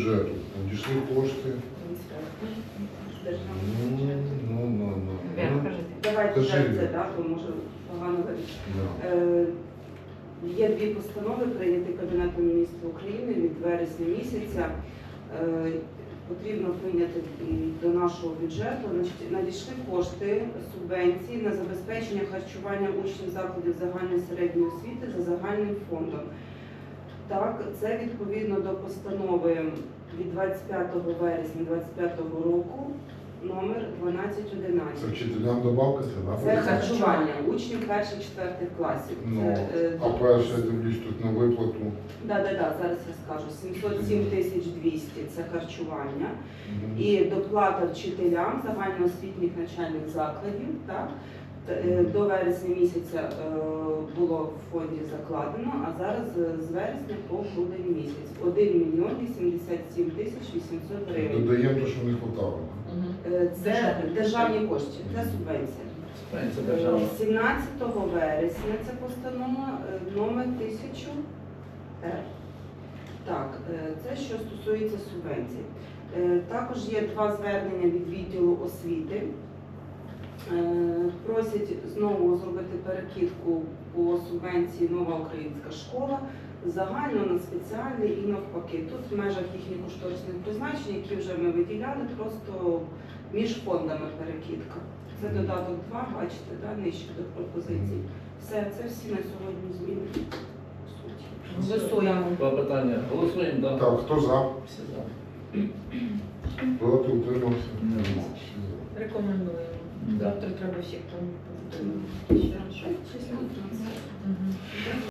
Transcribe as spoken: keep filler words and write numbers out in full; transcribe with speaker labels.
Speaker 1: бюджету надійшли кошти. Ну, ну, ну, ну.
Speaker 2: Вера, кажи.
Speaker 3: Давайте
Speaker 1: Кажи.
Speaker 3: так це, да, бо може погано говорити.
Speaker 1: Да.
Speaker 3: Е, Є дві постанови, прийняті Кабінетом міністрів України від вересня місяця. Е, Потрібно прийняти м, до нашого бюджету. Значить, надійшли кошти субвенції на забезпечення харчування учнів закладів загальної середньої освіти за загальним фондом. Так, це відповідно до постанови від двадцять п'ятого вересня двадцять п'ятого року номер дванадцять
Speaker 1: Це
Speaker 3: одинадцять.
Speaker 1: вчителям добавка, це
Speaker 3: Це
Speaker 1: да?
Speaker 3: харчування учнів перших-четвертих класів.
Speaker 1: Ну,
Speaker 3: Це, е,
Speaker 1: а перше, я дивлюсь тут на виплату.
Speaker 3: Да, да, да, зараз я скажу. сімсот сім тисяч двісті – це харчування.
Speaker 1: Мгм.
Speaker 3: І доплата вчителям загальноосвітніх навчальних закладів. Так? Т- е, До вересня місяця е, було в фонді закладено, а зараз е, з вересня по грудень місяць. один мільйон вісімдесят сім тисяч вісімсот гривень.
Speaker 1: Додаємо те, що не хватало.
Speaker 3: Е, Це державні кошти, це субвенція.
Speaker 2: Це держава.
Speaker 3: сімнадцятого вересня ця постанова е, номер тисяча. Так, е, це що стосується субвенцій. Е, Також є два звернення від відділу освіти. Е, Просять знову зробити перекидку по субвенції «Нова українська школа» загально на спеціальний і навпаки. Тут в межах їхніх кошторисних призначень, які вже ми виділяли, просто між фондами перекидка. Це додаток два, бачите, да, нижче до пропозицій. Все, це всі на сьогодні зміни. по суті.
Speaker 2: Голосуємо. Два питання. Голосуємо, так?
Speaker 1: Так, хто за?
Speaker 2: Всі за.
Speaker 1: Проти, утримався?
Speaker 2: Нема.
Speaker 1: Всі за.
Speaker 4: Рекомендуємо.
Speaker 2: Да.
Speaker 4: Завтра треба всіх там.
Speaker 3: Число трансфер.
Speaker 4: Мгм.